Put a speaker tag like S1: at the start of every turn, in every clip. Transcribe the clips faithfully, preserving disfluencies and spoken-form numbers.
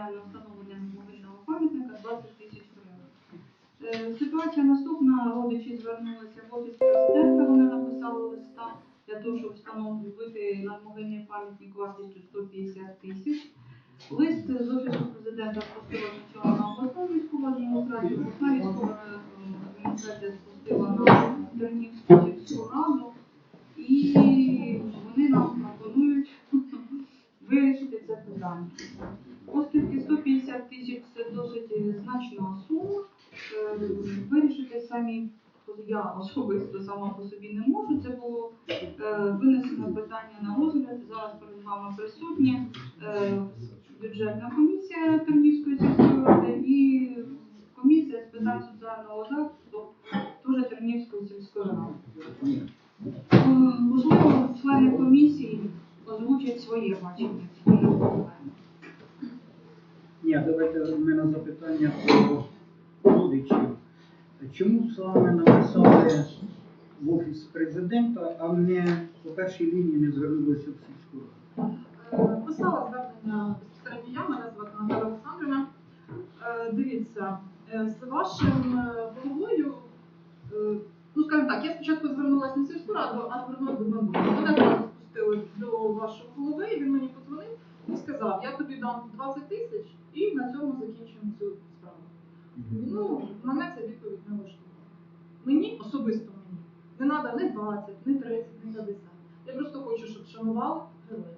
S1: на встановлення меморіального пам'ятника двадцять тисяч гривень. Ситуація наступна. Родичі звернулися в офіс президента, вони написали листа для того, щоб встановити надмогильний пам'ятник вартістю сто п'ятдесят тисяч. Лист з офісу президента спустила спочатку на обласну військову адміністрацію, обласна військова адміністрація спустила на Тернівську сільську раду, і вони нам пропонують вирішити це питання. Оскільки сто п'ятдесят тисяч – це досить значна сума, вирішити самі я особисто сама по собі не можу. Це було винесено питання на розгляд. Зараз перед вами присутні бюджетна комісія Тернівської сільської ради і комісія з питань соціального захисту теж Тернівської сільської ради. Можливо, члени комісії озвучать своє бачення цієї проблеми.
S2: Ні, давайте в мене запитання про родичів. Чому саме написали в офіс президента, а не по першій лінії не звернулися в сільську раду?
S3: Писала звернення безпосередньо я, мене звати Наталя Олександрівна. Дивіться, з вашим головою, ну скажімо так, я спочатку звернулася не в сільську раду, а звернулася до банку. Мене зараз спустили до вашого голови, він мені подзвонив і сказав, я тобі дам двадцять тисяч і на цьому закінчимо цю справу. Ну, мене ця відповідь не влаштовує. Мені, особисто мені, не треба ні двадцять, ні тридцять, ні п'ятдесят. Я просто хочу, щоб шанували героя.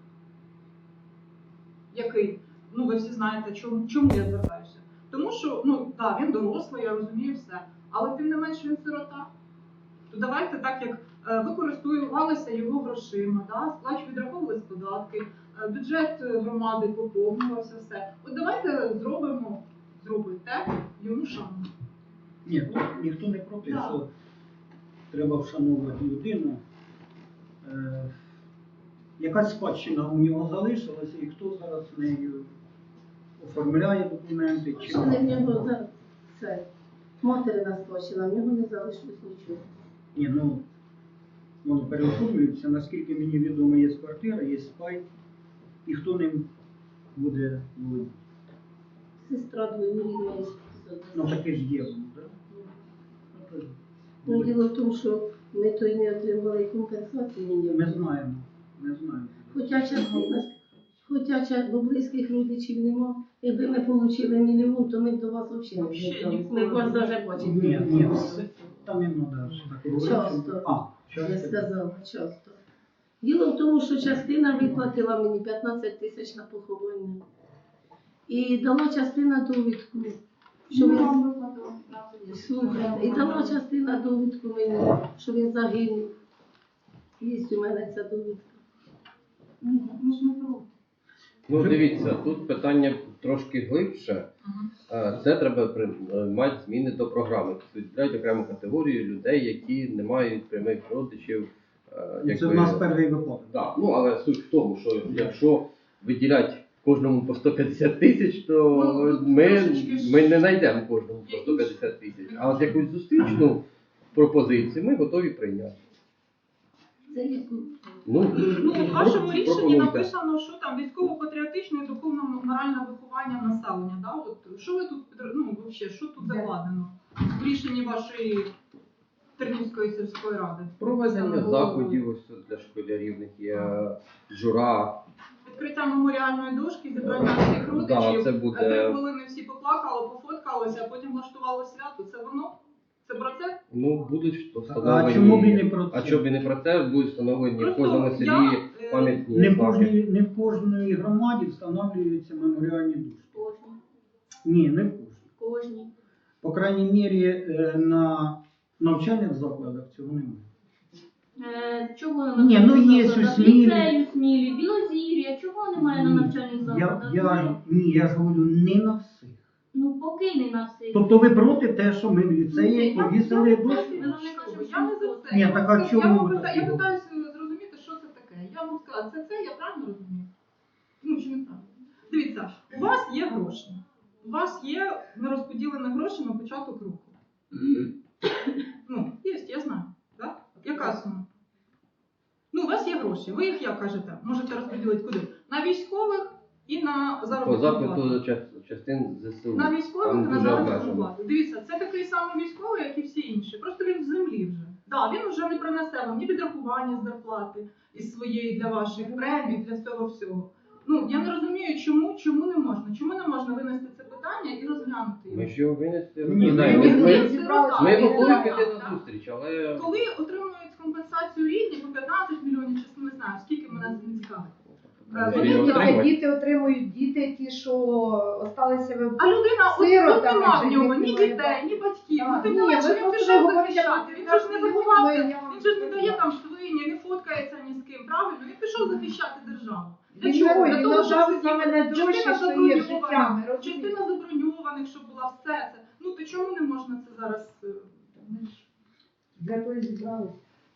S3: Який, ну ви всі знаєте, чому, чому я звертаюся. Тому що, ну так, він дорослий, я розумію все, але тим не менше він сирота. То давайте так, як е, ви користувалися його грошима, да, сплач відраховувались податки, е, бюджет громади поповнювався, все. От давайте зробимо, зробите йому шану.
S2: Ні, ну, ніхто не проти,
S3: Так.
S2: що треба вшановувати людину. Е, якась спадщина у нього залишилася, і хто зараз нею оформляє документи? Чи...
S4: Що не в нього зараз це материна спадщина, в нього не залишилось нічого.
S2: Ні, ну, воно переоформлюється, наскільки мені відомо, є квартира, є спай, і хто ним буде володіти?
S4: Сестра двоюрідна є.
S2: Ну, таке ж є воно, так? Да?
S4: Ну, діло в тому, що ми то й не отримали компенсації ніякої.
S2: Ми знаємо, ми знаємо.
S4: Хоча частина, хоча частина близьких родичів нема. Якби ми отримали мільйон, то ми б до вас взагалі не зверталися. Ми б вас навіть бачили.
S2: Ні, ні, там не треба так говорити.
S4: Часто.
S2: А,
S4: Я
S2: часто.
S4: сказала, часто. Діло в тому, що частина виплатила мені п'ятнадцять тисяч на поховання. І дала частина довідку, що він, слухайте, і дала частина довідку мені, що він загинув. Є у мене ця довідка.
S1: Ми ж не проти.
S5: Ну, дивіться, тут питання трошки глибше. Е, Це треба приймати зміни до програми. Виділяють окрему категорію людей, які не мають прямих родичів. е,
S2: Це
S5: якби-
S2: в нас перший випадок.
S5: Да. Ну, але суть в тому, що якщо виділять кожному по сто п'ятдесят тисяч, то
S3: Ну,
S5: ми,
S3: трошечки ж-
S5: ми не знайдемо кожному по сто п'ятдесят тисяч. А от якусь зустрічну пропозицію ми готові прийняти.
S4: Це яку?
S5: Ну,
S3: Ну, в вашому рішенні
S5: пропонуйте.
S3: написано, що там військово-патріотичне і духовно-моральне виховання населення. Да? От, що ви тут, ну, взагалі, що тут закладено в рішенні вашої Тернівської сільської ради?
S5: Проведення заходів ось тут для школярів, в них є жура.
S3: Відкриття меморіальної дошки, зібрання всіх родичів,
S5: Да, це буде-
S3: три хвилини всі поплакали, пофоткалися, а потім влаштували свято. Це воно? Це про це?
S5: Ну, будуть
S2: А
S5: встановлені.
S2: чому б і не про це?
S5: А чому б і не про це? Будуть встановлені в
S3: Просто
S5: кожному
S3: я,
S5: селі
S3: е,
S5: пам'ятні
S2: Не в,
S5: знаки.
S2: кожній, не в кожній громаді встановлюються меморіальні дошки.
S4: Кожні.
S2: Ні, не в кожній.
S4: Кожні.
S2: По крайній мірі, е, на навчальних закладах цього немає.
S6: Е, Чого
S2: Ні, ну, є
S6: закладах?
S2: у Смілі.
S6: Ліцею Смілі, Білозір'я, чого немає на
S2: Ні,
S6: навчальних
S2: Я,
S6: закладах?
S2: я, ні, я ж говорю, не на всіх.
S6: Ну, поки не на всіх.
S2: Тобто ви проти те, що ми в ліцеї
S3: Я-
S2: повісили
S3: я-
S2: дошки?
S3: Я не кажу, я не за це.
S2: Ні,
S3: Я
S2: так
S3: вам
S2: а
S3: скажу-
S2: чому
S3: я вам
S2: ви
S3: пита-
S2: так
S3: Я
S2: робите?
S3: питаюся зрозуміти, що це таке. Я вам сказала, це це, я правильно розумію? Ну, чи не правильно? Дивіться, у вас є гроші. У вас є нерозподілені гроші на початок руху. Ну, є, я знаю. Так? Яка сума? Ну, у вас є гроші. Ви їх, як кажете, можете розподілити куди? На військових, і на
S5: По
S3: заробітну
S5: запиту
S3: плату.
S5: ча- частин ЗСУ.
S3: На військових
S5: Там
S3: і на
S5: дуже
S3: заробітну
S5: обмежено.
S3: плату. Дивіться, це такий самий військовий, як і всі інші. Просто він в землі вже. Да, він вже не принесе вам ні відрахування з зарплати із своєї для ваших премій, для цього всього. Ну, я не розумію, чому, чому не можна. Чому не можна винести це питання і розглянути його?
S5: Ми ж його винести
S2: Ні,
S5: розглядаємо.
S2: ми-
S5: Ми,
S3: Він
S5: ми,
S3: сирота,
S5: ми
S3: він
S5: готові
S3: сирота,
S5: піти
S3: так?
S5: на зустріч, але
S3: Коли отримують компенсацію рідні по п'ятнадцять мільйонів, чи не знаю, скільки мене це не цікавить. Е, вони
S5: Його
S3: діти-
S5: отримують.
S7: Діти отримують діти, ті, що осталися в
S3: А людина, от,
S7: Сирота,
S3: от нема в
S7: вже
S3: нього
S7: їх
S3: ні
S7: немає,
S3: дітей,
S7: так.
S3: ні батьків.
S7: Так,
S3: Ну, тим
S7: ні,
S3: не менше,
S7: ви
S3: він
S7: просто
S3: пішов
S7: говорите,
S3: захищати.
S7: що
S3: Він
S7: я
S3: же ж не
S7: не
S3: заховався,
S7: знаю, я вам
S3: він же ж не
S7: не
S3: дає
S7: знаю.
S3: там свині, не фоткається ні з ким, правильно? Він пішов захищати державу. Для
S7: Він
S3: чого?
S7: герой,
S3: Для
S7: він
S3: того, щоб
S7: надав
S3: сидіти.
S7: саме найдорожче,
S3: Частина
S7: що є
S3: заброньована,
S7: життя, ми розуміємо.
S3: частина заброньованих, щоб була все це. Ну, то чому не можна це зараз? е,
S7: Для того і зібралися.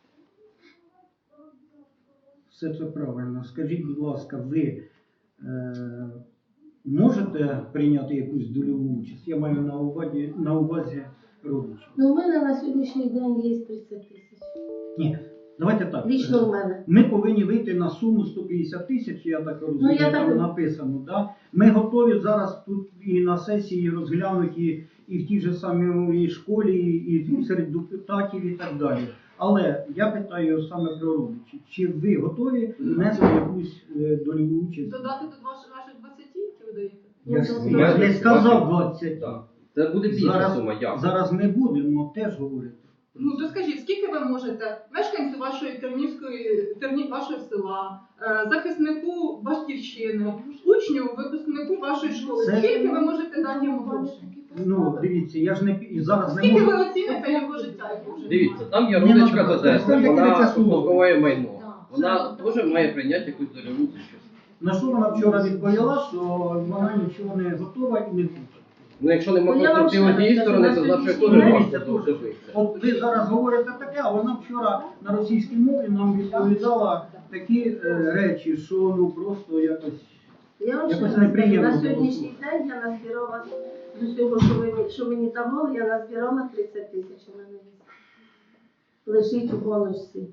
S2: Все це правильно. Скажіть, будь ласка, ви е, можете прийняти якусь дольову участь? Я маю на увазі, на увазі родичів.
S4: Ну, у мене на сьогоднішній день є тридцять тисяч.
S2: Ні, давайте так.
S4: Лічно у мене.
S2: Ми повинні вийти на суму сто п'ятдесят тисяч, я так розумію,
S4: я
S2: там
S4: так-
S2: написано. Да? Ми готові зараз тут і на сесії розглянути, і в тій же самій школі, і серед депутатів і так далі. Але я питаю саме про родичів. Чи ви готові внести якусь е, дольову участь?
S3: Додати до ваших ваших двадцяти, які ви даєте?
S2: Я ж
S4: Ну,
S2: я ж не
S5: ми-
S2: сказав двадцять.
S5: так. Це буде більша
S2: Зараз,
S5: сума, як?
S2: зараз ми будемо теж говорити.
S3: Ну, то скажіть, скільки ви можете мешканцю вашої Тернівської, Терні, вашого села, е, захиснику батьківщини, учню, випускнику вашої школи,
S2: Це-
S3: скільки ви можете дати йому грошей?
S2: Ну, дивіться, я ж не і зараз не
S3: Скільки
S2: можу.
S3: ви оціните його життя? яке вже
S5: Дивіться,
S3: немає?
S5: там є
S2: Ні,
S5: родичка
S2: ну,
S5: з Одеси,
S2: представте,
S5: вона
S2: яке це слово.
S5: успадковує майно.
S3: Да.
S5: Вона теж має прийняти якусь дольову участь.
S2: На що вона вчора відповіла, що вона нічого не готова і не хоче.
S5: Ну, якщо нема
S4: Ну, я вам ще
S5: конструктивної
S4: раз
S5: сторони,
S4: кажу,
S5: то
S4: на
S5: значить
S4: сьогоднішній
S5: теж
S2: день-
S5: важко добитися.
S2: От ви зараз говорите таке, а вона вчора на російській мові нам відповідала такі е, речі, що ну просто якось.
S4: Я вам ще
S2: Якось
S4: раз кажу,
S2: неприємно
S4: на
S2: було
S4: сьогоднішній
S2: слухати.
S4: день я назбирала з усього, що мені, що мені давали, я назбирала тридцять тисяч у мене є. Лежить у бонусі.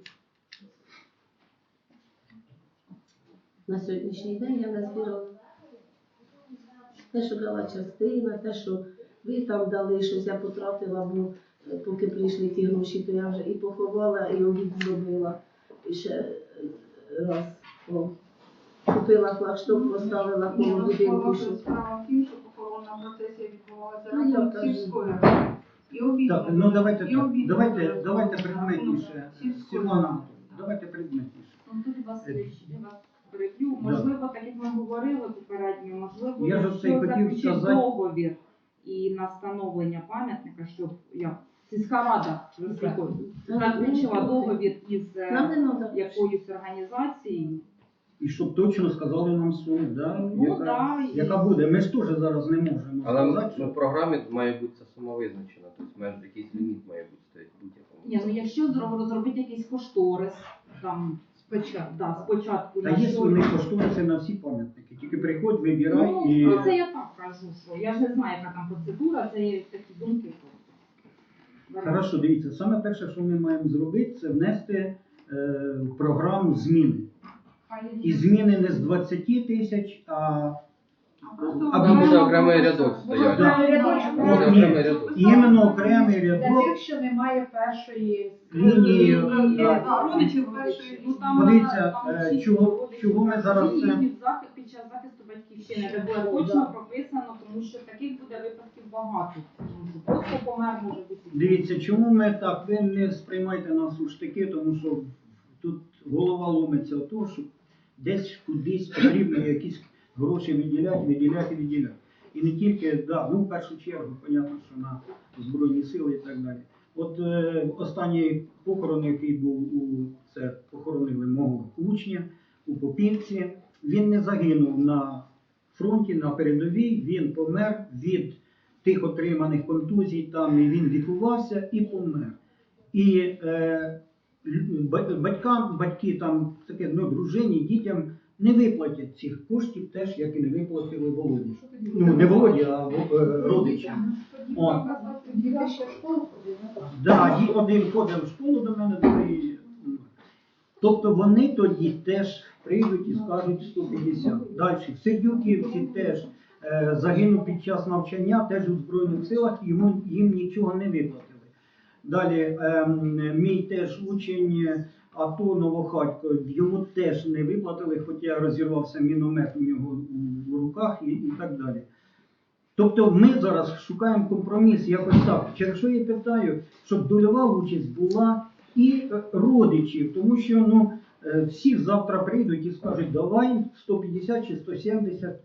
S4: На сьогоднішній день я назбирала. Те, що дала частина, те, що ви там дали, щось я потратила, бо е, поки прийшли ті гроші, то я вже і поховала, і обід зробила. І ще е, раз. О. Купила флагшток, поставила
S1: Ні,
S4: коло
S1: ну,
S4: будинку.
S1: справа
S4: Щоб...
S1: справа в тім, що похоронна процесія відбувалася
S4: Ну, я
S1: разом
S4: кажу.
S1: сільською радою. І обід
S2: Так,
S1: було,
S2: ну давайте
S1: і
S2: так.
S1: обід
S2: Давайте,
S1: було
S2: давайте
S1: за
S2: предметніше.
S1: рахунок сільської
S2: Світлана,
S1: ради.
S2: давайте предметніше.
S8: Антон Васильович, я вас переб'ю. Можливо, так як ми говорили попередньо, можливо,
S2: Я ж
S8: якщо
S2: це й хотів
S8: заключити
S2: сказати.
S8: договір і на встановлення пам'ятника, щоб я сільська рада заключила договір із е,
S4: Нам не треба.
S8: якоюсь організацією.
S2: І щоб точно сказали нам суму, да?
S8: Ну,
S2: яка,
S8: да, і-
S2: яка буде. Ми ж теж зараз не можемо
S5: Але
S2: сказати.
S5: ну, в програмі має бути ця сума визначена, тобто майже якийсь ліміт має бути стоїть в будь-якому.
S8: Ні, ну якщо зро- розробити якийсь кошторис, там спочатку, да, спочатку
S2: Та
S8: на
S2: є
S8: що-
S2: вони кошториси на всі пам'ятники. Тільки приходь, вибирай
S8: Ну,
S2: і.
S8: ну, це я так кажу, що я ж не знаю, яка там процедура, це є такі думки. просто.
S2: Хорошо, дивіться, саме перше, що ми маємо зробити, це внести е, в програму зміни. І зміни не з двадцяти тисяч, а
S1: А просто
S2: А
S5: Там буде
S1: окремо
S5: окремий
S1: просто-
S5: рядок стояти.
S2: Да.
S5: Буде
S2: Ні.
S5: окремий рядок.
S2: іменно окремий
S7: Для
S2: рядок
S7: тих, що немає першої
S2: лінії.
S3: Лінії,
S2: да.
S3: да, родичів першої.
S8: Ну, там,
S2: Подивіться,
S8: там
S2: е,
S8: всі
S2: чого-
S8: родичі,
S2: чого ми зараз
S8: всі
S2: це-
S8: їхні захист під час захисту батьківщини, де буде точно прописано, тому що таких буде випадків багато. Тому що просто помер може бути.
S2: Дивіться, чому ми так, ви не сприймайте нас у штики, тому що тут голова ломиться от того, що десь кудись потрібно якісь гроші виділяти, виділяти, виділяти. І не тільки, да, ну в першу чергу, понятно, що на Збройні Сили і так далі. От е, останній похорон, який був у це похоронили мого учня у Попівці, він не загинув на фронті, на передовій, він помер від тих отриманих контузій, там і він лікувався і помер. І е, лю- ба- батькам, батьки там таке, ну, дружині, дітям не виплатять цих коштів, теж як і не виплатили Володі. Ну, не Володі, а е, родичам. О.
S7: Діти ще в школу ходили.
S2: Да, ді- один ходив в школу до мене, другий. м. Тобто вони тоді теж прийдуть і скажуть сто п'ятдесят. Далі, в Сердюківці теж е, загинув під час навчання, теж у Збройних силах, йому, їм нічого не виплатили. Далі, е, мій теж учень АТО Новохатько, йому теж не виплатили, хоча розірвався міномет у нього в руках і, і так далі. Тобто ми зараз шукаємо компроміс якось так. Через що я питаю, щоб дольова участь була і родичів, тому що ну, всі завтра прийдуть і скажуть, давай сто п'ятдесят чи сто сімдесят,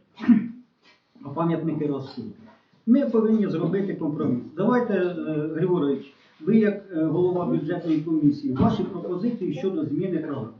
S2: а пам'ятники ростуть. Ми повинні зробити компроміс. Давайте, Григорович, ви як голова бюджетної комісії, ваші пропозиції щодо зміни програми.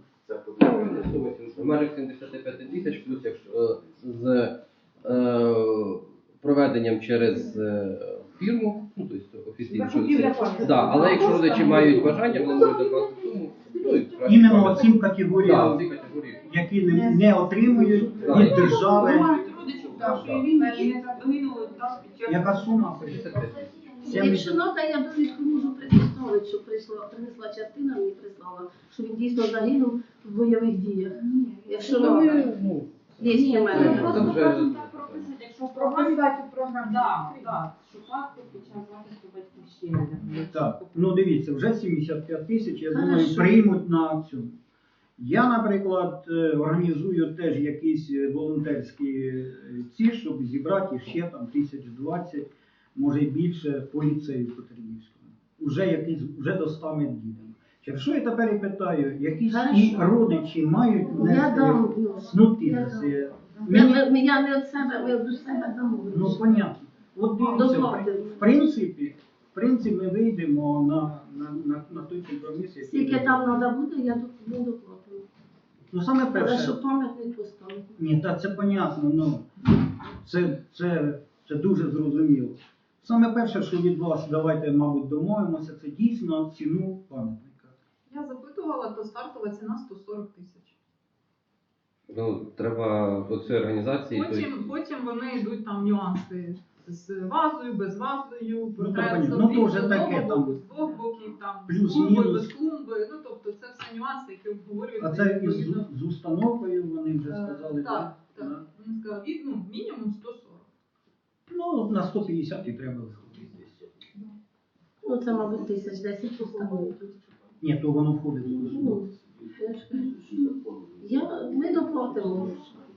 S5: В межах сімдесят п'ять тисяч, плюс якщо з е, проведенням через е, фірму, ну, тобто офіційно, що це, да, але якщо родичі мають бажання, вони можуть докласти суму. Ну, і краще
S2: Іменно
S5: провести.
S2: цим
S5: Да,
S2: категоріям,
S5: ці категорії.
S2: які не, не отримують від держави.
S1: Мають родичів першої лінії, і не загинули там під час.
S2: Яка сума?
S5: сімдесят п'ять.
S4: Якщо надо, я довідку можу предоставити, що прийшла, принесла частина, мені прислала, що він дійсно загинув в бойових діях. Якщо надо,
S5: Ну,
S4: є в мене.
S5: Це
S8: Просто
S5: вже-
S8: можна так прописати, якщо в програмі,
S7: Прописати у програмі.
S8: да, да, шукати під час захисту батьківщини.
S2: Так, ну дивіться, вже сімдесят п'ять тисяч, я думаю,
S4: Хорошо.
S2: приймуть на цю. Я, наприклад, е, організую теж якісь е, волонтерські е, ці, щоб зібрати ще там тисяч двадцять, може й більше по ліцею Петрівському. Уже якийсь, вже до ста ми дійдемо. Через що я тепер і питаю, якісь і
S4: Хорошо.
S2: родичі мають
S4: Я
S2: внести
S4: дам, ну,
S2: снути
S4: я
S2: на
S4: дам.
S2: це?
S4: Я,
S2: Мені,
S4: я, я не від себе, ми від себе дамо.
S2: ну, понятно. От дивіться, в,
S4: Доплати.
S2: в принципі, в принципі, ми вийдемо на, на, на, на той компроміс, який...
S4: Скільки там треба буде, я доп- не доплатила.
S2: Ну, саме
S4: Але
S2: перше...
S4: щоб пам'ятник поставити.
S2: Ні, та це понятно, ну, це, це, це дуже зрозуміло. Саме перше, що від вас, давайте, мабуть, домовимося, це дійсно ціну пам'ятника.
S3: Я запитувала, то стартова ціна сто сорок тисяч.
S5: Ну, треба до цієї організації.
S3: Потім, потім вони йдуть там нюанси з вазою, без вазою,
S2: Ну,
S3: портрет
S2: так,
S3: з
S2: понятно. Ну, то вже
S3: одного
S2: таке,
S3: боку,
S2: там,
S3: з двох боків, там, з
S2: плюс-мінус.
S3: клумби, без клумби. Ну, тобто це все нюанси, які обговорюються.
S2: А це із,
S3: відповідно.
S2: з установкою, вони вже
S3: Е,
S2: сказали.
S3: Так,
S2: Да.
S3: так. Він сказав, від, ну, мінімум сто сорок.
S2: Ну, на сто п'ятдесят і треба виходити.
S4: Ну, це, мабуть, тисяч десять поставили.
S2: Ні, то воно входить. в
S4: Ну,
S2: установку.
S4: я ж кажу, що я, ми доплатимо.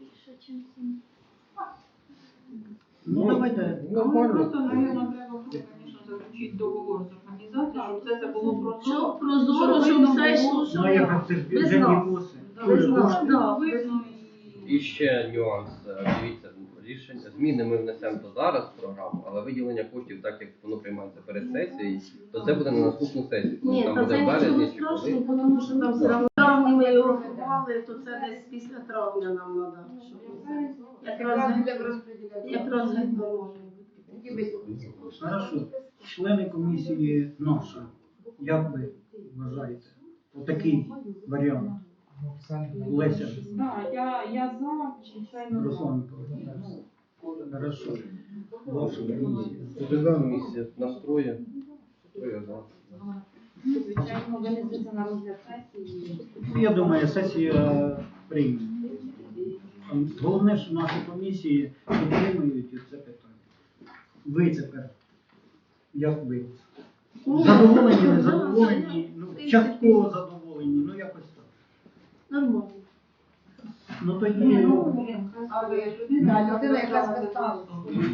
S2: Ну, давайте.
S1: Але
S5: Нормально.
S1: просто, мабуть, треба буде, звісно, заключити договор з організацією, щоб це, це було прозоро.
S4: Щоб прозоро, щоб все йшло, щоб...
S2: Ну, як це ж
S4: Без
S2: бюджетні
S4: нас.
S2: коси.
S1: Да,
S2: Дуже
S4: без нас.
S2: кошти.
S4: Да.
S1: видно і...
S5: І ще нюанс. Е, Дивіться, рішення зміни ми внесемо то зараз в програму, але виділення коштів, так як воно приймається перед сесією, то це буде на наступну сесію. Тому
S4: Ні,
S5: там
S4: та
S5: буде
S4: це
S5: в
S4: нічого
S5: березні чи коли.
S4: страшного, тому що там все одно травні ми його врахували, то це десь після травня нам треба. Якраз, якраз видно.
S2: Хорошо. Члени комісії наші, як ви вважаєте? Отакий варіант. Леся,
S8: Да, я, я за, звичайно, за.
S2: Руслан Миколаївич. Хорошо. Ваша комісія.
S5: Друга місія настрою. То я за.
S8: Звичайно, винесеться на розгляд сесії.
S2: Ну, я думаю, сесія прийме. Головне, що наші комісії підтримують і це питання. Ви тепер, як ви?
S4: Ні,
S2: Задоволені,
S4: да,
S2: не задоволені, ну, частково задоволені, ну якось так.
S4: Нормально.
S2: Ну тоді
S7: А ви людина, людина, яка зверталася.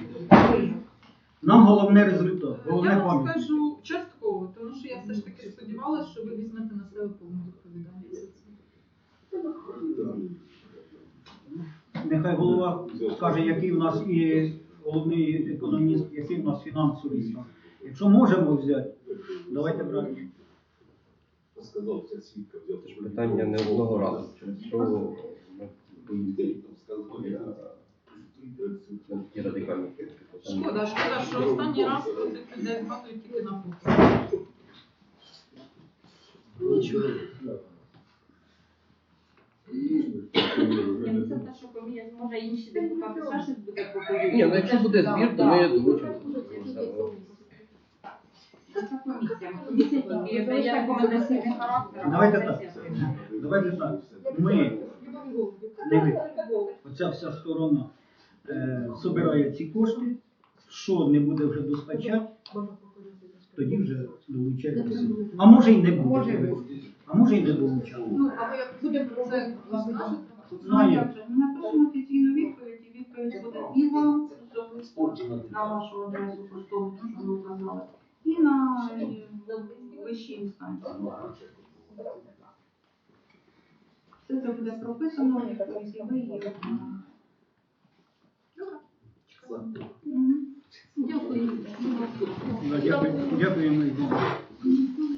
S2: нам головне результат, головне
S3: Я вам
S2: пам'ять.
S3: скажу частково, тому що я все ж таки сподівалася, що ви візьмете на себе повну відповідальність за це.
S2: Нехай голова скаже, який в нас і головний економіст, який в нас фінансовий стан. Якщо можемо взяти, давайте брати.
S5: Це ж питання не одного разу. Через що ми поїздили на такі радикальні питання.
S3: Шкода, шкода, що останній раз про цих людей згадують тільки на фото.
S4: Нічого.
S8: Ні, ну це те, що комія, може інші депутати ще щось буде пропозиція.
S5: Ні, ну якщо буде збір, то ми долучимо.
S8: Це комісія. Комісія тільки дає рекомендаційний характер. а
S2: Давайте
S8: сесія
S2: так.
S8: приймає.
S2: Давайте так. Ми, не ви, оця вся сторона е, собирає ці кошти, що не буде вже достачати, тоді вже долучається. А може й не
S7: Може
S2: буде.
S7: бути.
S2: А може й не долучати.
S3: Ну, а ви як будемо про це розкажете?
S1: Ну, а як же? Ми напишемо офіційну відповідь, і відповідь буде і вам особисто на вашу адресу поштову, що ви вказали, і на е, вищій інстанції. Все це буде прописано, відповідь, і ви її виконуєте. Мгм.
S4: Дякую.
S2: Дякую- Дякуємо. Ірина.